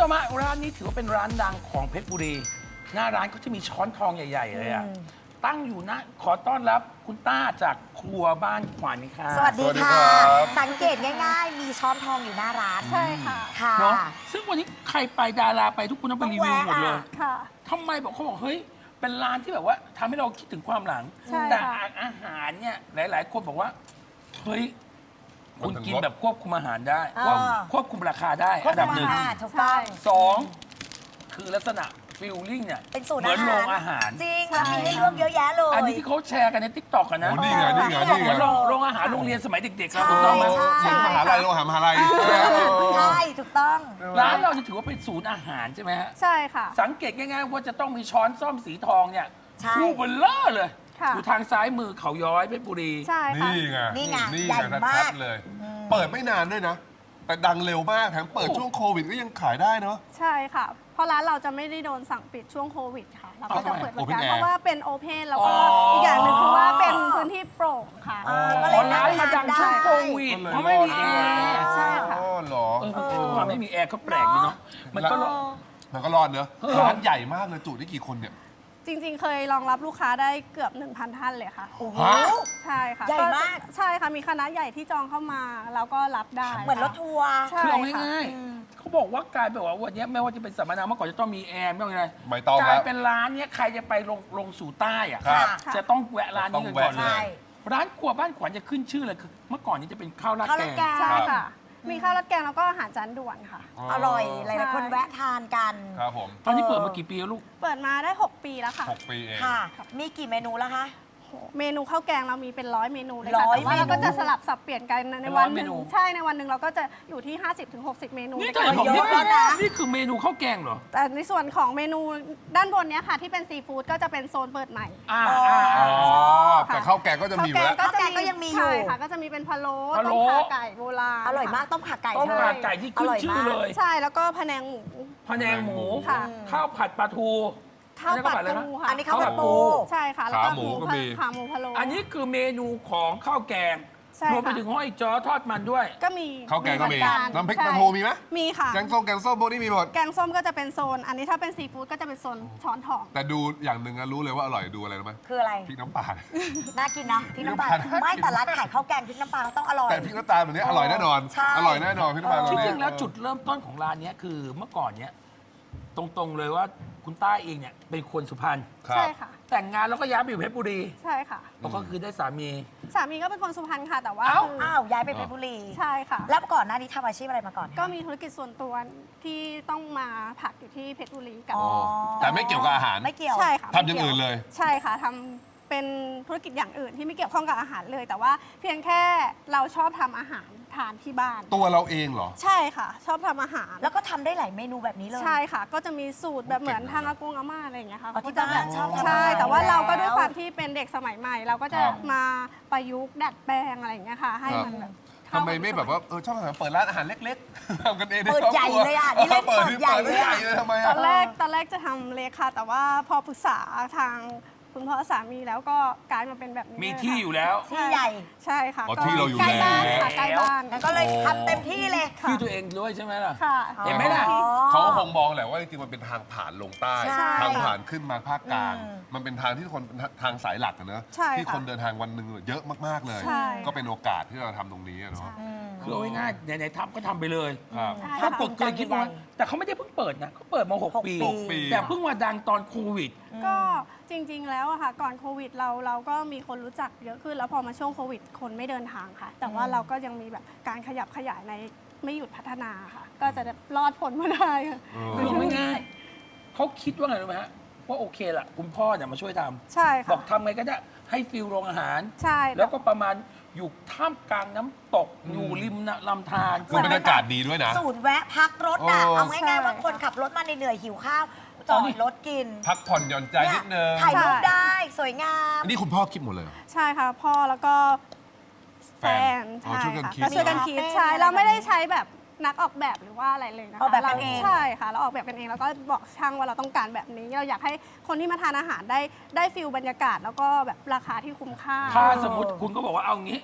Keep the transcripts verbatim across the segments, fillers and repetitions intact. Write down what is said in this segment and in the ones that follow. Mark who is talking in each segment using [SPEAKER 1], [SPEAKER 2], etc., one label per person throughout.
[SPEAKER 1] ชมฮะร้านนี้ถือว่าเป็นร้านดังของเพชรบุรี หน้าร้านก็จะมีช้อนทองใหญ่ๆเลยอะตั้งอยู่นะขอต้อนรับคุณต้าจากครัวบ้านขวัญค่ะ
[SPEAKER 2] สวัสดี
[SPEAKER 3] สวัสดี
[SPEAKER 2] ค่ะ
[SPEAKER 3] ครับ
[SPEAKER 2] สังเกตง่ายๆ มีช้อนทองอยู่หน้าร้าน
[SPEAKER 4] ใช่ค่ะ
[SPEAKER 2] ค่ะ
[SPEAKER 1] เนาะซึ่งวันนี้ใครไปดาราไปทุกคนต้องไปรีวิวหมดเลย
[SPEAKER 2] ต้องแวะอะ
[SPEAKER 4] ค่ะ
[SPEAKER 1] ทำไมบอกเขาบอกเฮ้ยเป็นร้านที่แบบว่าทำให้เราคิดถึงความหลัง
[SPEAKER 4] ใช่
[SPEAKER 1] แต่
[SPEAKER 4] ค่ะ
[SPEAKER 1] อาหารเนี่ยหลายๆ คนบอกว่าเฮ้ย
[SPEAKER 3] มั
[SPEAKER 1] คุ
[SPEAKER 3] น
[SPEAKER 1] ณ
[SPEAKER 3] ถึง
[SPEAKER 1] กิน
[SPEAKER 3] รส
[SPEAKER 1] แบบควบคุมอาหารได้
[SPEAKER 2] อ่า
[SPEAKER 1] ควบควบคุมราคาได้
[SPEAKER 2] ครบ
[SPEAKER 1] อันดับหนึ่ง
[SPEAKER 2] ค่ะถูกต้อง
[SPEAKER 1] สองคือลักษณะฟิลลิ่งเนี่ย
[SPEAKER 2] เป็นสูตร
[SPEAKER 1] เหมือน
[SPEAKER 2] อาหาร
[SPEAKER 1] โรงอาหาร
[SPEAKER 2] จริงแล้วมีให้เลือกเยอะแยะเลย
[SPEAKER 1] อันนี้ที่เขาแชร์กันในทิกตอกกันนะ
[SPEAKER 3] โอ้นี่ไงนี่ไงนี่ไง
[SPEAKER 1] เหมือนโรงโรงอาหารโรงเรียนสมัยเด็กๆเรา
[SPEAKER 2] ใช่
[SPEAKER 1] ถูกต้องไหม
[SPEAKER 2] ใช่
[SPEAKER 3] เหมือนมหาลัยโรงอาหารมหาลัย
[SPEAKER 2] ใช่ถูกต้อง
[SPEAKER 1] ร้านเราจะถือว่าเป็นศูนย์อาหารใช่ไหมฮะ
[SPEAKER 4] ใช่ค่ะ
[SPEAKER 1] สังเกตง่ายๆว่าจะต้องมีช้อนซ่อมสีทองเนี่ย
[SPEAKER 2] ใช่
[SPEAKER 1] คู่เบลเลอร์เลย
[SPEAKER 4] ค่ะ
[SPEAKER 1] อยู่ทางซ้ายมือเขาย้อยเพชรบุรี
[SPEAKER 4] ใช่ค่ะ
[SPEAKER 3] นี่ไง
[SPEAKER 2] นี่ไง
[SPEAKER 3] นี่
[SPEAKER 2] ใหญ่
[SPEAKER 3] ไง
[SPEAKER 2] มาก
[SPEAKER 3] ชัดๆเลย เปิดไม่นานด้วยนะ แต่ดังเร็วมากแถมเปิดช่วงโควิดก็ยังขายได้เนาะ
[SPEAKER 4] ใช่ค่ะ เพราะร้านเราจะไม่ได้โดนสั่งปิดช่วงโควิดค่ะ เราก็จะ
[SPEAKER 1] เอาทำไม
[SPEAKER 4] เปิดบริการ
[SPEAKER 3] Open Air
[SPEAKER 4] เพราะว่าเป็นโอเพนแล้วก็
[SPEAKER 1] อ๋ออี
[SPEAKER 4] อีกอย่างหนึ่งคือว่าเป็นพื้นที่โปร่งค่ะ
[SPEAKER 2] อ่าก็
[SPEAKER 1] อ๋
[SPEAKER 2] เล
[SPEAKER 1] อย ร้านมาดังช่วงโควิด
[SPEAKER 3] ก็เลย
[SPEAKER 1] เพราะไม่มีแอร์
[SPEAKER 4] ใช่ค่ะ
[SPEAKER 3] อ๋อเหรอ
[SPEAKER 1] เออความไม่มีแอร์ก็แปลกดีเนาะมันก็
[SPEAKER 2] เออ
[SPEAKER 3] มันก็รอดเนอะร้านใหญ่มากเลยจุได้กี่คนเนี่ย
[SPEAKER 4] จริงๆ เคยรองรับลูกค้าได้เกือบ หนึ่งพัน ท่านเลยค่ะ
[SPEAKER 2] โอ้โห
[SPEAKER 3] ฮะ
[SPEAKER 4] ใช่ค่ะ
[SPEAKER 2] ใหญ่มาก
[SPEAKER 4] ใช่ค่ะ มีคณะใหญ่ที่จองเข้ามาแล้วก็รับได้
[SPEAKER 2] เหมือนรถทัวร์
[SPEAKER 4] ใช่
[SPEAKER 1] คือเอา
[SPEAKER 4] ค่ะ
[SPEAKER 1] ง่ายๆเขาบอกว่ากลายเป็นว่าวันนี้ไม่ว่าจะเป็นสัมมนาเมื่อก่อนจะต้องมีแอร์ไม่ต้องอะไร
[SPEAKER 3] ไม่ต้อง
[SPEAKER 1] ก
[SPEAKER 3] แล้
[SPEAKER 1] ลายว เป็นร้านเนี้ยใครจะไปลงลงสู่ใต้อะ
[SPEAKER 3] ครับ
[SPEAKER 1] จะต้องแวะร้านนี้กันก่อน
[SPEAKER 3] ต้อง
[SPEAKER 1] เล
[SPEAKER 3] แวะ
[SPEAKER 1] ย ร้านครัวบ้านขวัญจะขึ้นชื่อเลยคือเมื่อก่อนนี้จะเป็นข้าวราด
[SPEAKER 2] ข้าว
[SPEAKER 1] แก
[SPEAKER 2] ราด
[SPEAKER 1] ง
[SPEAKER 2] แกง
[SPEAKER 4] ใช่ค่ะ มีข้าวราดแกงแล้วก็อาหารจานด่วนค่ะ
[SPEAKER 2] อร่อยหลายๆคนแวะทานกัน
[SPEAKER 3] ครับผม
[SPEAKER 1] ตอนนี้เปิดมากี่ปีแล้วลูก
[SPEAKER 4] เปิดมาได้ หก ปีแล้วค่ะ
[SPEAKER 3] หกปีเอง
[SPEAKER 2] ค่ะ มีกี่เมนูแล้วคะ
[SPEAKER 4] เมนูข้าวแกงเรามีเป็นร้อยเมนูเลย
[SPEAKER 2] ร้
[SPEAKER 4] ค่ะ
[SPEAKER 2] อย
[SPEAKER 4] แต่ว่าเรา
[SPEAKER 2] เมนู
[SPEAKER 4] ก็จะสลับสับเปลี่ยนกันในวันหนึ่ง
[SPEAKER 1] ร้อยเมนู
[SPEAKER 4] ใช่ในวันหนึ่งเราก็จะอยู่ที่ ห้าสิบถึงหกสิบ เมนู
[SPEAKER 1] นี่
[SPEAKER 4] ใน
[SPEAKER 1] เธอ
[SPEAKER 4] การ
[SPEAKER 1] บอก
[SPEAKER 2] เย
[SPEAKER 1] นี่
[SPEAKER 2] อะ
[SPEAKER 1] คือ
[SPEAKER 2] นะ
[SPEAKER 1] นี่คือเมนูข้าวแกงเหรอ
[SPEAKER 4] แต่ในส่วนของเมนูด้านบนเนี้ยค่ะ ที่เป็นซีฟู้ดก็จะเป็นโซนเปิดใหม่
[SPEAKER 1] อ่า
[SPEAKER 2] อ๋อ
[SPEAKER 1] อ่า
[SPEAKER 3] อ๋
[SPEAKER 1] อ่า
[SPEAKER 3] อ แต่ข้าวแกงก็จะมีอยู่แล้ว
[SPEAKER 4] ข้าว
[SPEAKER 2] ข้าวแกงก็ยังมีอยู่
[SPEAKER 4] ใช่ค่ะ ก็จะมีเป็นพะโล้
[SPEAKER 1] พะโล้
[SPEAKER 4] ต้มข่าไก่โบราณ
[SPEAKER 2] อร่อยมากต้มขาไก่
[SPEAKER 1] ต้ม
[SPEAKER 2] เธอ
[SPEAKER 1] ข่าไก่ที่ขึ้นชื่อเลย
[SPEAKER 4] ใช่แล้วก็พะแนงหมู
[SPEAKER 1] พะแนงหมู
[SPEAKER 4] ค่ะ
[SPEAKER 1] ข้าวผัดปลาทู
[SPEAKER 4] ข้าวผัด
[SPEAKER 1] อันนี้
[SPEAKER 4] ปู
[SPEAKER 1] ก็ผัดอะไรนะ
[SPEAKER 4] ค่ะ
[SPEAKER 2] อันนี้ข้าวผัดปู
[SPEAKER 4] ใช่ค่ะแล้วก็
[SPEAKER 3] ขาหมูก็มี
[SPEAKER 4] ขาหมูพะโล้
[SPEAKER 1] อันนี้คือเมนูของข้าวแกง
[SPEAKER 4] ใช่
[SPEAKER 1] รวมไป
[SPEAKER 4] ค่ะ
[SPEAKER 1] ถึงห้อยจ้อทอดมันด้วย
[SPEAKER 4] ก็มี
[SPEAKER 3] ข้าวแกงก็มี
[SPEAKER 4] เหอ
[SPEAKER 3] น้ำพริก
[SPEAKER 4] ใช่
[SPEAKER 3] ปลาทูมีไหม
[SPEAKER 4] มีค่ะ
[SPEAKER 3] แกงส้มแกงส้มพวกนี้มีหมด
[SPEAKER 4] แกงส้มก็จะเป็นโซน อันนี้ถ้าเป็นซีฟู้ดก็จะเป็นโซนช้อนทอง
[SPEAKER 3] แต่ดูอย่างหนึ่งอะรู้เลยว่าอร่อยดูอะไรรู้ไหม
[SPEAKER 2] คืออะไร
[SPEAKER 3] พริกน้ำปลา
[SPEAKER 2] น่ากินนะพริกน้ำปลา
[SPEAKER 3] พริกน้ำปลา
[SPEAKER 2] ไม่แต่ร้านขายข้าวแกงพริกน้ำปลาเขาต้องอร่อย
[SPEAKER 3] แต่พริกน้ำตาลแบบนี้อร่อยแน่นอน
[SPEAKER 2] ใช่
[SPEAKER 3] อร่อยแน่นอนพริกน้ำปลา
[SPEAKER 1] จ
[SPEAKER 3] ตัวนี้
[SPEAKER 1] ริงๆแล้วจุดเริ่มต้นของร้านเนี้ยคือเมื่อก่อนเนี้ยตรงๆเลยว่าคุณต้าเองเนี่ยเป็นคนสุพรรณ
[SPEAKER 3] ครับ
[SPEAKER 4] ใช่ค่ะ
[SPEAKER 1] แต่งงานแล้วก็ย้ายไปอยู่เพชรบุรี
[SPEAKER 4] ใช่ค่ะ
[SPEAKER 1] แล้วก็คือได้สามี
[SPEAKER 4] สามีก็เป็นคนสุพรรณค่ะ แต่ว่า
[SPEAKER 1] เอ้า
[SPEAKER 4] คือ
[SPEAKER 2] อ้าวย้ายไปเพชรบุรี
[SPEAKER 4] ใช่ค่ะ
[SPEAKER 2] แล้วก่อนหน้านี้ทำอาชีพอะไรมาก่อนคะ
[SPEAKER 4] ก็มีธุรกิจส่วนตัวที่ต้องมาผักอยู่ที่เพชรบุรีกัน
[SPEAKER 2] อ๋อ
[SPEAKER 3] แต่ไม่เกี่ยวกับอาหาร
[SPEAKER 2] ไม่เกี่ยว
[SPEAKER 4] ใช่ค่ะ
[SPEAKER 3] ทำอย่างอื่นเลย
[SPEAKER 4] ใช่ค่ะทำเป็นธุรกิจอย่างอื่นที่ไม่เกี่ยวข้องกับอาหารเลย แต่ว่าเพียงแค่เราชอบทำอาหารทานที่บ้าน
[SPEAKER 3] ตัวเราเองเหรอ
[SPEAKER 4] ใช่ค่ะ ชอบทำอาหาร
[SPEAKER 2] แล้วก็ทำได้หลายเมนูแบบนี้เลย
[SPEAKER 4] ใช่ค่ะ ก็จะมีสูตรแบบเหมือนทางอากงอาม่าอะไรอย่างเงี้ยค่ะ
[SPEAKER 2] อ๋อที่
[SPEAKER 4] ก็จะแบบ
[SPEAKER 2] บ้านชอบทำ
[SPEAKER 4] ใช่
[SPEAKER 2] อาหาร
[SPEAKER 4] แต่ว่าเราก็
[SPEAKER 2] อยู่แล้ว
[SPEAKER 4] ด้วยความที่เป็นเด็กสมัยใหม่ เราก็จะ
[SPEAKER 3] ครับ
[SPEAKER 4] มาประยุกต์ดัดแปลงอะไรอย่างเงี้ยค่ะ ให้มันแบบเข้า
[SPEAKER 3] ทำไมไม่แบบว่าเออชอบอาหารเปิดร้านอาหารเล็กๆทำกันเอง
[SPEAKER 2] เปิดใหญ่เลยอ่ะนี่เล่น
[SPEAKER 3] เปิ
[SPEAKER 2] เปิ
[SPEAKER 3] ด
[SPEAKER 2] ด
[SPEAKER 3] ที่
[SPEAKER 2] ใหญ่
[SPEAKER 3] เปิด
[SPEAKER 2] เลย
[SPEAKER 3] ใหญ่
[SPEAKER 2] อ่ะ
[SPEAKER 3] เลยทำไม
[SPEAKER 4] ต
[SPEAKER 3] อะ
[SPEAKER 4] อนแรกตอนแรกจะทำเล็กค่ะ แต่ว่าพอปรึกษาทางคุณพ่อสามีแล้วก็กลายมาเป็นแบบนี้
[SPEAKER 1] มี
[SPEAKER 4] เลย
[SPEAKER 1] ที่
[SPEAKER 4] ค่ะ
[SPEAKER 1] อยู่แล้ว
[SPEAKER 2] ที่ใหญ่
[SPEAKER 4] ใช่ค่ะ
[SPEAKER 3] อ๋อที่เราอยู่
[SPEAKER 4] ใกล้บ้าน
[SPEAKER 3] แล้ว
[SPEAKER 4] ค่ะใกล้บ้าน
[SPEAKER 2] งั้นก็เลยทำเต็มที่เลย
[SPEAKER 4] ค่ะ
[SPEAKER 1] ที่ตัวเองด้วยใช่ไหมล่ะ
[SPEAKER 4] ค่ะ
[SPEAKER 1] เห็นไหมล่ะ
[SPEAKER 2] อ๋อ
[SPEAKER 3] เขาก็คงมองแหละว่าจริงๆมันเป็นทางผ่านลงใต้
[SPEAKER 2] ใช่
[SPEAKER 3] ทางผ่านขึ้นมาภาคกลาง
[SPEAKER 2] อืม
[SPEAKER 3] มันเป็นทางที่คนทางสายหลักอะเนอะ
[SPEAKER 4] ใช่ค่ะ
[SPEAKER 3] ที่คนเดินทางวันหนึ่งเยอะมากๆเลย
[SPEAKER 4] ใช่
[SPEAKER 3] ก็เป็นโอกาสที่เราทำตรงนี้อะเนาะ
[SPEAKER 2] อืม
[SPEAKER 1] คือเอาง่ายๆไหนๆทำก็ทำไปเลย
[SPEAKER 3] ครับ
[SPEAKER 4] ใช่
[SPEAKER 1] ปรา
[SPEAKER 4] ค่ะ
[SPEAKER 1] กฏเคยคิดว่าแต่เขาไม่ได้เพิ่งเปิดนะเขาเปิดมาหก
[SPEAKER 2] หก
[SPEAKER 1] ปี
[SPEAKER 2] ปี
[SPEAKER 3] หกปี
[SPEAKER 1] แต่เพิ่งมาดังตอนโควิด
[SPEAKER 4] ก็จริง ๆ แล้วอะค่ะก่อนโควิดเราเราก็มีคนรู้จักเยอะขึ้น แล้วพอมาช่วงโควิดคนไม่เดินทางค่ะ แต่ว่า
[SPEAKER 2] อืม
[SPEAKER 4] เราก็ยังมีแบบการขยับขยายในไม่หยุดพัฒนาค่ะ ก็จะรอดผลมาได้ค่ะ
[SPEAKER 3] เออ
[SPEAKER 1] คือเอาง่ายๆเขาคิดว่าไงรู้ไหมฮะว่าโอเคละคุณพ่อเนี่ยมาช่วยทำ
[SPEAKER 4] ใช่
[SPEAKER 1] บอ
[SPEAKER 4] ค่ะ
[SPEAKER 1] กทำไงก็ได้ให้ฟิลโรงอาหาร
[SPEAKER 4] ใช่
[SPEAKER 1] แล้วก็ประมาณอยู่ท่ามกลางน้ำตกอยู่ริมลำธาร
[SPEAKER 3] คือบรรยากาศดีด้วยนะ
[SPEAKER 2] สูตรแวะพักรถอ่ะ
[SPEAKER 3] โอ้
[SPEAKER 2] เอาง่ายๆว่าคนขับรถมาเหนื่อยๆหิวข้าวจอดรถกิน
[SPEAKER 3] พักผ่อนหย่อนใจนิดนึง
[SPEAKER 2] ถ่ายรูปได้สวยงาม
[SPEAKER 3] อันนี้คุณพ่อคิดหมดเลยเหรอ
[SPEAKER 4] ใช่ค่ะพ่อแล้วก็แฟน
[SPEAKER 3] อ๋อ
[SPEAKER 4] ใช่
[SPEAKER 3] ช่วยกัน
[SPEAKER 4] ค่ะ
[SPEAKER 3] คิด
[SPEAKER 4] ก็ช่วยกันคิดใช่เราไม่ได้ใช้แบบนักออกแบบหรือว่าอะไรเลยนะคะ
[SPEAKER 2] ออกแบบกันเอง
[SPEAKER 4] ใช่ค่ะเราออกแบบกันเองแล้วก็บอกช่างว่าเราต้องการแบบนี้ เราอยากให้คนที่มาทานอาหารได้ได้ฟิลบรรยากาศ แล้วก็แบบราคาที่คุ้มค่า
[SPEAKER 1] ถ้าสมมติคุณก็บอกว่าเอางี้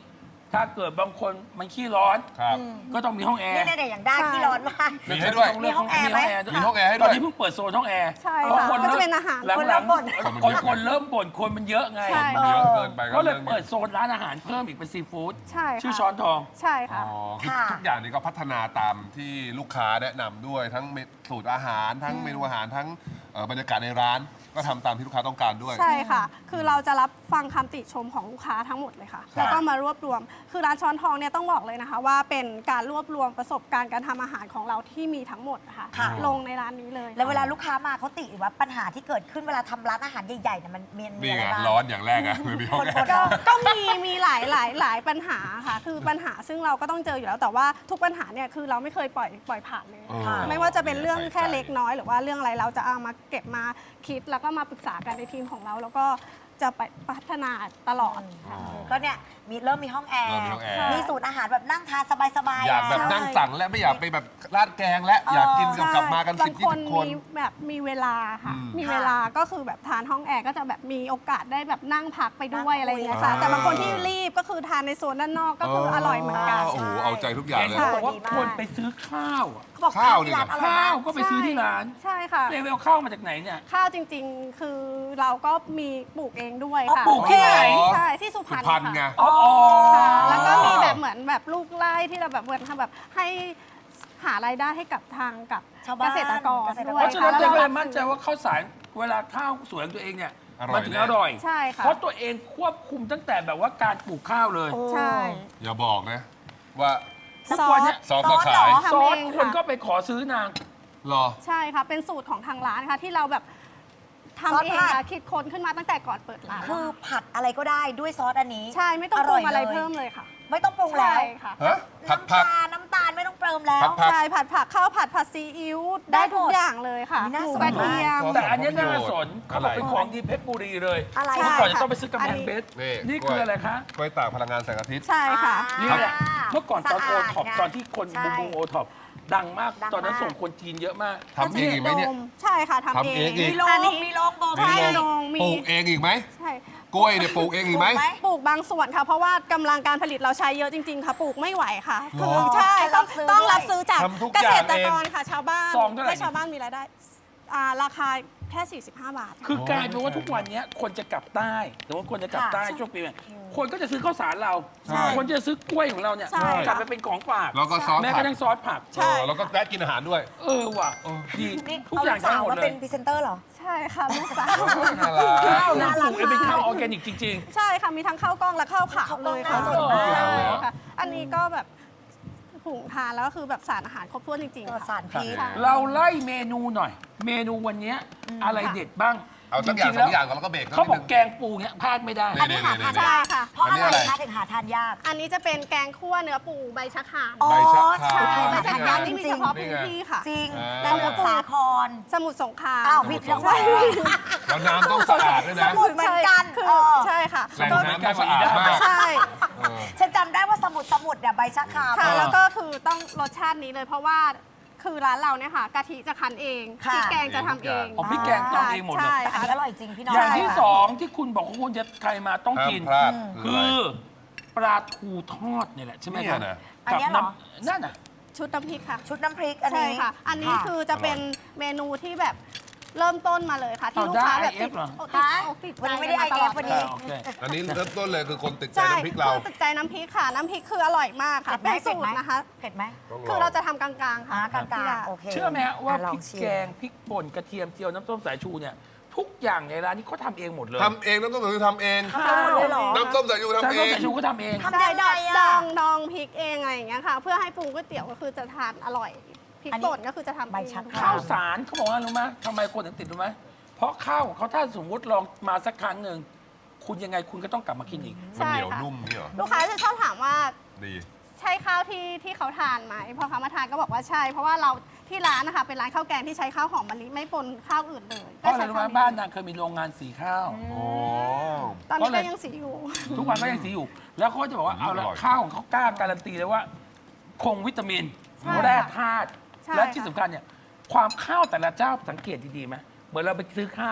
[SPEAKER 1] ถ้าเกิดบางคนมันขี้ร้อน
[SPEAKER 3] ครับ
[SPEAKER 1] ก็ต้องมีห้องแอร์
[SPEAKER 2] นี่เนี่ยอย่างได้ที่ร้อนมาก
[SPEAKER 3] มีให้ด้วย
[SPEAKER 2] มีห้องแอร์ไหม
[SPEAKER 3] มีห้องแอร์ให้
[SPEAKER 1] ต
[SPEAKER 3] ด้
[SPEAKER 1] อ
[SPEAKER 3] วน ย
[SPEAKER 1] นี้เพิ่งเปิดโซนห้องแอร์
[SPEAKER 4] ใช่
[SPEAKER 1] เพราะ
[SPEAKER 4] ค่ะ
[SPEAKER 1] คน
[SPEAKER 4] ก็จะ
[SPEAKER 1] เริ่ม
[SPEAKER 4] เป็นอาหาร
[SPEAKER 1] หลัง
[SPEAKER 2] คน
[SPEAKER 1] ๆ
[SPEAKER 2] เริ่มบ่น
[SPEAKER 1] คนคนเริ่มบ่นคนมันเยอะไง
[SPEAKER 4] ใช่
[SPEAKER 3] มันเยอะเกินไป
[SPEAKER 1] ก็เลย
[SPEAKER 3] รื่องนี้
[SPEAKER 1] เปิดโซนร้านอาหารเพิ่มอีกเป็นซีฟู้ด
[SPEAKER 4] ใช่ค่ะ
[SPEAKER 1] ชื่อช้อนทอง
[SPEAKER 4] ใช่
[SPEAKER 3] อ๋
[SPEAKER 4] ค่ะ
[SPEAKER 3] อคือ
[SPEAKER 2] ค่ะ
[SPEAKER 3] ทุกอย่างนี้ก็พัฒนาตามที่ลูกค้าแนะนำด้วยทั้งเมสูตรอาหารทั้งเมนูอาหารทั้งเอ่อบรรยากาศในร้าน ก็ทำตามที่ลูกค้าต้องการด้วย
[SPEAKER 4] ใช่ค่ะ คือเราจะรับฟังคำติชมของลูกค้าทั้งหมดเลยค่ะ แล้วก็มารวบรวม คือร้านช้อนทองเนี่ยต้องบอกเลยนะคะ ว่าเป็นการรวบรวมประสบการณ์การทำอาหารของเราที่มีทั้งหมดนะคะ
[SPEAKER 2] ค่ะ
[SPEAKER 4] ลงในร้านนี้เลย
[SPEAKER 2] แล้วเวลาลูกค้ามาเขาติหรือว่าปัญหาที่เกิดขึ้นเวลาทำร้านอาหารใหญ่ๆเนี่ยมันมีมี
[SPEAKER 3] นี่
[SPEAKER 2] อะไร
[SPEAKER 3] ไง
[SPEAKER 2] บ้าง
[SPEAKER 3] ร้อนอย่างแรกอะไม่มีห้องแอ
[SPEAKER 2] คน
[SPEAKER 3] ร์
[SPEAKER 2] ๆ
[SPEAKER 4] ก็ก็มีมีหลายหลายหลายปัญหาค่ะ คือปัญหาซึ่งเราก็ต้องเจออยู่แล้ว แต่ว่าทุกปัญหาเนี่ยคือเราไม่เคยปล่อยปล่อยผ่านเลย
[SPEAKER 3] เออ
[SPEAKER 2] ค่ะ
[SPEAKER 4] ไม่ว่าจะเป็นเรื่องแค่
[SPEAKER 3] ใส่ใจ
[SPEAKER 4] เล็กน้อยหรือว่าเรื่องอะไรเราจะเอามาเก็บมาคิดแล้วก็มาปรึกษากันในทีมของเรา แล้วก็จะไปพัฒนาตลอดค่ะ
[SPEAKER 2] ก็เนี่ยมีเริ่มมีห้องแอร์
[SPEAKER 3] เริ่มมีห้องแอร์
[SPEAKER 2] มีสูตรอาหารแบบนั่งทานสบายๆ
[SPEAKER 3] อยากแบบ
[SPEAKER 2] แล้ว
[SPEAKER 3] นั่งสั่งและไม่อยากไปแบบราดแกงและอยากกินกับกลับมากัน
[SPEAKER 4] บา
[SPEAKER 3] สิ
[SPEAKER 4] ง
[SPEAKER 3] บ
[SPEAKER 4] ค
[SPEAKER 3] ยี่
[SPEAKER 4] น
[SPEAKER 3] สิบคน
[SPEAKER 4] มีแบบมีเวลาค่ะ
[SPEAKER 3] อืม
[SPEAKER 4] มีเวลาก็คือแบบทานห้องแอร์ก็จะแบบมีโอกาสได้แบบนั่งพักไปด้วย
[SPEAKER 2] นั่งคุย
[SPEAKER 4] อะไรอย่างเงี้ยค่ะ
[SPEAKER 3] อ่า
[SPEAKER 4] แต่บางคนที่รีบก็คือทานในโซนด้านนอกก็คืออร่อยเหมือนกัน
[SPEAKER 3] โอ้โหเอาใจทุกอย่าง
[SPEAKER 1] เห็น
[SPEAKER 3] เลย
[SPEAKER 1] เขาบอกว่า
[SPEAKER 2] ดีมาก
[SPEAKER 1] คนไปซื้อข้าวอะ
[SPEAKER 2] เขาบอก
[SPEAKER 3] ข้าว
[SPEAKER 2] ที่ร้าน
[SPEAKER 3] เนี่ย
[SPEAKER 2] อร่อย
[SPEAKER 1] ข้าว
[SPEAKER 2] มาก
[SPEAKER 1] ก็ไปซื้อที่ร้าน
[SPEAKER 4] ใช่ค่ะ
[SPEAKER 1] เลเวลข้าวมาจากไหนเนี่ย
[SPEAKER 4] ข้าวจริงๆ คือเราก็มีปลูกเองด้วย
[SPEAKER 2] อ๋อ
[SPEAKER 4] ค่ะ
[SPEAKER 2] ปลูกที่ไหน
[SPEAKER 4] ใช่ที่สุพร
[SPEAKER 3] สุ
[SPEAKER 4] รณ
[SPEAKER 3] พรรณไง
[SPEAKER 4] ค่ะ
[SPEAKER 1] อ๋อ
[SPEAKER 4] ค่ะ แล้วก็มีแบบเหมือนแบบลูกไร่ที่เราแบบเหมือนทำแบบให้หารายได้ให้กับทางกับ
[SPEAKER 2] ชาวบ้าน
[SPEAKER 4] เกษตรกร
[SPEAKER 2] เกษตรกร
[SPEAKER 4] ด้วย
[SPEAKER 1] เพราะฉะนั้น
[SPEAKER 4] ค่
[SPEAKER 1] เจ๊ก็เลย
[SPEAKER 4] แว
[SPEAKER 1] มั่นใจว่าข้าวสารเวลาข้าวสวยของตัวเองเนี่ย
[SPEAKER 3] อร่อย
[SPEAKER 1] มันถึง
[SPEAKER 3] แน่
[SPEAKER 1] อร่อย
[SPEAKER 4] ใช่ค่ะ
[SPEAKER 1] เพราะตัวเองควบคุมตั้งแต่แบบว่าการปลูกข้าวเลย
[SPEAKER 2] โอ้
[SPEAKER 4] ใช่
[SPEAKER 3] อย่าบอกนะ ว่า
[SPEAKER 1] ทุกวันเนี้ย
[SPEAKER 3] ซอสก็ขาย
[SPEAKER 4] ทำ
[SPEAKER 1] ซอส
[SPEAKER 4] เอง
[SPEAKER 1] คนก็
[SPEAKER 4] ค่ะ
[SPEAKER 1] ไปขอซื้อนาง
[SPEAKER 3] รอ
[SPEAKER 4] ใช่ค่ะ เป็นสูตรของทางร้านค่ะที่เราแบบ
[SPEAKER 2] ซอส
[SPEAKER 4] ทำเอง
[SPEAKER 2] ผัด
[SPEAKER 4] ค่ะคิดค้นขึ้นมาตั้งแต่ก่อนเปิดร้าน
[SPEAKER 2] คือผัดอะไรก็ได้ด้วยซอสอันนี้
[SPEAKER 4] ใช่ไม่ต้องปรุงอะไรเพิ่มเลยค่ะ
[SPEAKER 2] ไม่ต้องปรุงแล้ว
[SPEAKER 4] ใช่ค่ะ
[SPEAKER 3] ฮะ ผัด
[SPEAKER 2] น้ำ
[SPEAKER 3] ผัก
[SPEAKER 2] ตาลน้ำตาลไม่ต้องเติมแล้ว
[SPEAKER 3] ผัดผัก
[SPEAKER 4] ใช่ผัดผักข้าวผัดผัดซีอิ๊ว
[SPEAKER 2] ได้
[SPEAKER 4] ได้ทุก
[SPEAKER 2] หมด
[SPEAKER 4] อย่างเลยค่ะ
[SPEAKER 2] นี่น่า
[SPEAKER 4] หมู
[SPEAKER 2] สน
[SPEAKER 4] กระเทียม
[SPEAKER 3] มาก
[SPEAKER 1] แต่อันเนี้ยน่าสน
[SPEAKER 3] อะไร
[SPEAKER 1] เขาบอกเป็นของดีเพชรบุรีเลย
[SPEAKER 2] อะไร
[SPEAKER 1] เมื่อ
[SPEAKER 2] อ่ะ
[SPEAKER 1] ก่อนจะต้องไปซื้อกำแพงเพชร
[SPEAKER 3] นี่
[SPEAKER 1] นี่
[SPEAKER 3] กล้
[SPEAKER 1] คื
[SPEAKER 3] วย
[SPEAKER 1] ออะไรคะ
[SPEAKER 3] กล้วยตากพลังงานแสงอาทิตย์
[SPEAKER 4] ใช่ค่ะ
[SPEAKER 1] นี่แหละ เมื่อก่อนตอนโอ
[SPEAKER 2] สะาด
[SPEAKER 1] ท็อป
[SPEAKER 2] ไง
[SPEAKER 1] ตอนที่คน
[SPEAKER 2] ใช่
[SPEAKER 1] บูมบูมโอท็อปดังมาก
[SPEAKER 2] ดังมาก
[SPEAKER 1] ตอนนั้นส่งคนจีนเยอะมาก
[SPEAKER 3] ทำเองอีกไหมเนี่ย
[SPEAKER 4] ใช่ค่ะทำ
[SPEAKER 3] ทำเองอีก
[SPEAKER 2] มีโรง
[SPEAKER 4] อันนี้
[SPEAKER 2] มีโรงบ่ม
[SPEAKER 4] ใช่โรงมี
[SPEAKER 3] ปลูกเองอีกไหม
[SPEAKER 4] ใช่
[SPEAKER 3] กล้วยเนี่ยปลูกเองอีกไหม
[SPEAKER 2] ปลูกไหม
[SPEAKER 4] ปลูกบางส่วนค่ะ เพราะว่ากำลังการผลิตเราใช้เยอะจริง ๆ ค่ะ ปลูกไม่ไหวค่ะ
[SPEAKER 3] หร
[SPEAKER 4] คือ
[SPEAKER 3] อ
[SPEAKER 4] ใช่ต้อง
[SPEAKER 2] ให้รับซื้อ
[SPEAKER 4] ต้อง
[SPEAKER 2] ด้วย
[SPEAKER 4] รับซื้อจาก
[SPEAKER 3] ทำทุก
[SPEAKER 4] เก
[SPEAKER 3] อย่า
[SPEAKER 4] ษ
[SPEAKER 3] ง
[SPEAKER 4] ตร
[SPEAKER 3] เอง
[SPEAKER 4] กรค่ะ ชาวบ้าน
[SPEAKER 1] ซองเท่าไหร่
[SPEAKER 4] ให้ชาวบ้านมีรายได้อ่าราคาแค่ สี่สิบห้า บาท
[SPEAKER 1] คือกลายเป็นว่าทุกวันเนี้ยคนจะกลับใต้หรือว่าคนจะกลับใต้ช่วงปีใหม่คนก็จะซื้อข้าวสารเรา
[SPEAKER 3] ใช่
[SPEAKER 1] คนจะซื้อกล้วยของเราเนี่ย
[SPEAKER 4] ใช่
[SPEAKER 1] กลับไปเป็นของฝาก
[SPEAKER 3] แล้วก็ซอส
[SPEAKER 1] แม้ก
[SPEAKER 3] ผั
[SPEAKER 1] ระ
[SPEAKER 3] ก
[SPEAKER 1] ทั่งซอสผัก
[SPEAKER 4] ใช่
[SPEAKER 3] เออแล้วก็แวะกินอาหารด้วย
[SPEAKER 1] เออว่ะ
[SPEAKER 3] เออ
[SPEAKER 1] ดี
[SPEAKER 2] นี่
[SPEAKER 1] ทุก
[SPEAKER 2] เอา
[SPEAKER 1] อ
[SPEAKER 2] ลู
[SPEAKER 1] ย่าง
[SPEAKER 2] กสาว
[SPEAKER 1] ทำหมด
[SPEAKER 2] มา
[SPEAKER 1] เล
[SPEAKER 2] เป็
[SPEAKER 1] ย
[SPEAKER 2] นพรีเซนเตอร์เหรอ
[SPEAKER 4] ใช่ค่ะลูกสาว
[SPEAKER 3] น่ารัก
[SPEAKER 1] ข้าวนะ
[SPEAKER 2] น่า
[SPEAKER 1] ป
[SPEAKER 2] รั
[SPEAKER 1] ลู
[SPEAKER 2] ก
[SPEAKER 1] กเองเป็นข้าวออร์แกนิกจริง
[SPEAKER 4] ใช่ค่ะมีทั้งข้าวกล้องและข้าวขาวเลยค่ะ
[SPEAKER 2] ข้าวกล้องน่าสนมาก
[SPEAKER 4] ใช่ค่ะอันนี้ก็แบบหุงทานแล้วก็คือแบบสารอาหารครบถ้วนจริง
[SPEAKER 2] ป
[SPEAKER 4] ๆ
[SPEAKER 2] ลอด
[SPEAKER 4] ค่ะ
[SPEAKER 2] สารพิษ
[SPEAKER 4] ใช่
[SPEAKER 1] ๆ เราไล่เมนูหน่อย เมนูวันเนี้ยอะไรเด็ดบ้าง
[SPEAKER 3] เอาสักอย่าง
[SPEAKER 1] จ
[SPEAKER 3] ส
[SPEAKER 1] ริ
[SPEAKER 3] อง
[SPEAKER 1] ๆ
[SPEAKER 3] อย่าง
[SPEAKER 1] แล้ว
[SPEAKER 3] ก่อนแล้วก็เบรก
[SPEAKER 1] เขาบอก
[SPEAKER 3] นิดนึง
[SPEAKER 1] แกงปูเนี้ยพลาดไม่ได้
[SPEAKER 2] อันนี้หาทาน
[SPEAKER 4] ใช่
[SPEAKER 2] ยาก
[SPEAKER 4] ค่ะ
[SPEAKER 2] เพราะ
[SPEAKER 3] อันนี้
[SPEAKER 2] อะไร
[SPEAKER 3] อะไร
[SPEAKER 2] คะถึงหาทานยาก
[SPEAKER 4] อันนี้จะเป็นแกงคั่วเนื้อปูใบชะคราม
[SPEAKER 2] อ๋อ
[SPEAKER 3] ใบชะคราม
[SPEAKER 2] ใช่
[SPEAKER 4] ใบ
[SPEAKER 2] ใบ
[SPEAKER 4] ชะ
[SPEAKER 2] ชะ
[SPEAKER 4] ค
[SPEAKER 2] ค
[SPEAKER 4] ราร
[SPEAKER 2] าม ม
[SPEAKER 4] ที่
[SPEAKER 2] จ
[SPEAKER 4] มี
[SPEAKER 2] ริ
[SPEAKER 4] เฉ
[SPEAKER 2] ง
[SPEAKER 4] พาะ
[SPEAKER 3] นี่
[SPEAKER 4] พื้น
[SPEAKER 3] ไง
[SPEAKER 4] ที่ค่ะ
[SPEAKER 2] ๆจริง
[SPEAKER 3] อ่า
[SPEAKER 2] สมุทรสาคร
[SPEAKER 4] สมุทรสงคราม
[SPEAKER 2] อ้าวผิดแล้วว่า
[SPEAKER 3] แล้วน้ำต้องสะอาดด้วย
[SPEAKER 2] ส
[SPEAKER 3] นะ
[SPEAKER 2] มุทรเหมือนกัน
[SPEAKER 4] คือ
[SPEAKER 2] เออ
[SPEAKER 4] ใช่ค่ะ
[SPEAKER 3] แหล่งน้ำต้องสะอาดมาก
[SPEAKER 4] ใช่
[SPEAKER 3] เออ
[SPEAKER 2] ฉันจำได้ว่าสมุทรสมุทรเนี่ยใบชะคราม
[SPEAKER 4] ค่ะ
[SPEAKER 3] เออ
[SPEAKER 4] แล้วก็คือต้องรสชาตินี้เลย เพราะว่าคือร้านเราเนี่ยค่ะกะทิจะคั้นเอง
[SPEAKER 2] ค่ะ
[SPEAKER 4] พริกแกงจะทำเอง
[SPEAKER 1] อ๋อพริกแกงทำเองหมดเลย
[SPEAKER 4] ใช่
[SPEAKER 2] แต่อัน
[SPEAKER 4] ค่ะ
[SPEAKER 2] นี้อร่อยจริงพี่น้อง
[SPEAKER 1] อย่างที่
[SPEAKER 2] ค่ะ
[SPEAKER 1] สองที่คุณบอกว่าคุณจะใครมาต้อง
[SPEAKER 3] ห้าม
[SPEAKER 1] กิน
[SPEAKER 3] พลาด
[SPEAKER 1] คื
[SPEAKER 3] ะไร
[SPEAKER 1] อปลาทูทอดเนี่ยแหละใช่ไหม
[SPEAKER 3] เนี่
[SPEAKER 1] ครั
[SPEAKER 3] ย
[SPEAKER 1] บ
[SPEAKER 3] นะ
[SPEAKER 2] อัน
[SPEAKER 1] กั
[SPEAKER 2] เนี้ยเหรอ
[SPEAKER 1] น้ำนั่นน่ะ
[SPEAKER 4] ชุดน้ำพริกค่ะ
[SPEAKER 2] ชุดน้ำพริกอัน
[SPEAKER 4] ใช่
[SPEAKER 2] นี้
[SPEAKER 4] ค่ะ อันนี้
[SPEAKER 2] ค่ะ
[SPEAKER 4] คือจะเป็นเมนูที่แบบเริ่มต้นมาเลยค่ะ ที่
[SPEAKER 1] เอา
[SPEAKER 4] ลูกค้า
[SPEAKER 1] ได้
[SPEAKER 4] แบบติด
[SPEAKER 1] ไอเอฟเหรอ
[SPEAKER 4] อกติดอกติด
[SPEAKER 2] วัน
[SPEAKER 4] ใจ
[SPEAKER 2] นี้ไม่ได้ไอ
[SPEAKER 4] กั
[SPEAKER 2] เอฟ
[SPEAKER 4] มาตล
[SPEAKER 2] วัน
[SPEAKER 4] ด
[SPEAKER 2] นี้
[SPEAKER 1] โอเค
[SPEAKER 3] อันนี้เริ่มต้นเลยคือคนติดใจ
[SPEAKER 4] ใช่
[SPEAKER 3] น้ำพริกเรา
[SPEAKER 4] คือติดใจน้ำพริกค่ะ น้ำพริกคืออร่อยมากค่ะ
[SPEAKER 2] เผ็ดไหม
[SPEAKER 4] เป็นสูตรนะคะ
[SPEAKER 2] เผ็ดไหม
[SPEAKER 3] ต้องล
[SPEAKER 4] คือ
[SPEAKER 3] อง
[SPEAKER 4] เราจะทำกลางๆ
[SPEAKER 2] อ่า
[SPEAKER 4] ค่ะ
[SPEAKER 2] กลางๆโอเค
[SPEAKER 1] เชื่อไหมฮะว่า
[SPEAKER 2] อ่ะลอ
[SPEAKER 1] พริก
[SPEAKER 2] ชิม
[SPEAKER 1] แกงพริกป่นกระเทียมเจียวน้ำส้มสายชูเนี่ยทุกอย่างในร้านนี้เขาทำเองหมดเลย
[SPEAKER 3] ทำเองน้ำส้มสายชูทำเอง
[SPEAKER 2] ทำหมดเลยเหรอ
[SPEAKER 3] น้ำส้มสายชู
[SPEAKER 1] น้ำ
[SPEAKER 3] ทำเอ
[SPEAKER 1] ส้ม
[SPEAKER 3] ง
[SPEAKER 1] สายชูก็ทำเอง
[SPEAKER 2] ทำยังไง
[SPEAKER 4] ด
[SPEAKER 2] อะ
[SPEAKER 4] องดองพริกเองอะไรอย่างเงี้ยค่ะ เพื่อให้ปรุงก๋วยเตี๋ยวก็คือจะทานอร่อยพริก
[SPEAKER 2] อันนี้
[SPEAKER 4] ป่นก็คือจะทำ
[SPEAKER 2] ใบชะ
[SPEAKER 4] เอง
[SPEAKER 2] คร
[SPEAKER 1] ข้าวสารเขาบอกว่ารู้ไหมทำไมคนถึงติดรู้ไหมเพราะข้าวของเขาถ้าสมมติลองมาสักครั้งหนึ่งคุณยังไงคุณก็ต้องกลับมากินอีก
[SPEAKER 3] มันเหนียวนุ่มนี่เหรอ
[SPEAKER 4] ลูกค้าจะชอบถามว่า
[SPEAKER 3] ดี
[SPEAKER 4] ใช่ข้าวที่ที่เขาทานไหมพอเขามาทานก็บอกว่าใช่ เพราะว่าเราที่ร้านนะคะเป็นร้านข้าวแกงที่ใช้ข้าวหอมมะลิไม่ปนข้าวอื่นเลย
[SPEAKER 1] เพราะอะไรรู้ไหม
[SPEAKER 4] ใช้ข้ว
[SPEAKER 1] บ้านนางเคยมีโรงงานสีข้าว
[SPEAKER 3] โอ้
[SPEAKER 4] ตอนนี้
[SPEAKER 1] ก็เล
[SPEAKER 4] ก็
[SPEAKER 1] ย
[SPEAKER 4] ยังสีอยู่
[SPEAKER 1] ทุกวันก็ยังสีอยู่ แล้วเขาก็จะบอกว่าเอาละ
[SPEAKER 3] อร่อย
[SPEAKER 1] ข้าวของเขากล้าการันตีเลยว่า คงวิตามิน
[SPEAKER 4] ใช่
[SPEAKER 1] แร่ธาตุ
[SPEAKER 4] ใช่
[SPEAKER 1] และที่
[SPEAKER 4] ค่ะ
[SPEAKER 1] สำคัญเนี่ยความข้าวแต่ละเจ้าสังเกตดีๆไหมเหมือนเราไปซื้อข้าวอะ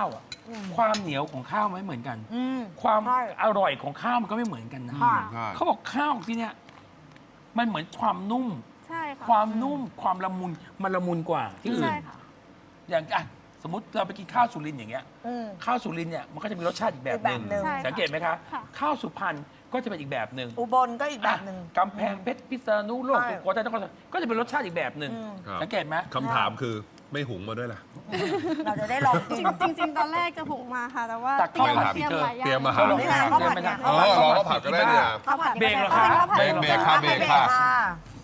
[SPEAKER 1] ความเหนียวของข้าวไม่เหมือนกัน
[SPEAKER 2] อืม
[SPEAKER 1] ความ
[SPEAKER 2] ใช่
[SPEAKER 1] อร่อยของข้าวมันก็ไม่เหมือนกันนะ
[SPEAKER 2] ค่ะ
[SPEAKER 3] ใช่
[SPEAKER 1] เขาบอกข้าวที่เนี่ยมันเหมือนความนุ่ม
[SPEAKER 4] ใช่ค่ะ
[SPEAKER 1] ความนุ่มความละมุนมันละมุนกว่าที่อื่น
[SPEAKER 4] ใช่ค่ะ
[SPEAKER 1] อย่างอ่ะสมมติเราไปกินข้าวสุรินทร์อย่างเงี้ย
[SPEAKER 2] อืม
[SPEAKER 1] ข้าวสุรินทร์เนี่ยมันก็จะมีรสชาติอีกแบบหนึ่ง
[SPEAKER 2] อีกแบบหนึ่ง
[SPEAKER 4] ใช่ค่ะ
[SPEAKER 1] สังเกตไหมคะ
[SPEAKER 4] ค่ะ
[SPEAKER 1] ข้าวสุพรรณก็จะเป็นอีกแบบหนึ่ง
[SPEAKER 2] อุบลก็อีกแบบหนึ่ง
[SPEAKER 1] อ่ะกำแพงเพชรพิษณุโลก
[SPEAKER 2] ใช่
[SPEAKER 1] สุโขทัยนครสวรรค์ก็จะเป็นรสชาติอีกแบบหนึ่ง
[SPEAKER 2] อืม
[SPEAKER 3] ครับ
[SPEAKER 1] สังเกตไหม
[SPEAKER 3] คำถามคือไม่หุงมาด้วยล่ะ
[SPEAKER 2] เราจะได้ลองกิน
[SPEAKER 4] จริงจริงๆ ตอนแรกจะหุงมาค่ะ แต่ว่า
[SPEAKER 1] แต่ข้าวผัด
[SPEAKER 4] เตรียม
[SPEAKER 1] เธอ
[SPEAKER 4] หลายอย่าง
[SPEAKER 3] เตรียมมา
[SPEAKER 1] ก็ลอง
[SPEAKER 2] นี่
[SPEAKER 1] ทา
[SPEAKER 2] ไง
[SPEAKER 1] น
[SPEAKER 2] ข้าวผัด
[SPEAKER 1] ได้ไหม
[SPEAKER 2] ไง
[SPEAKER 1] คะ
[SPEAKER 3] เออเราก็ผัดก็ได้เนี่ย
[SPEAKER 2] ข้าวผัด
[SPEAKER 1] เบรกเหรอคะ
[SPEAKER 2] ข้าวผัด
[SPEAKER 3] เบรกเบรกค่ะเบรกค่ะ
[SPEAKER 2] ค่ะ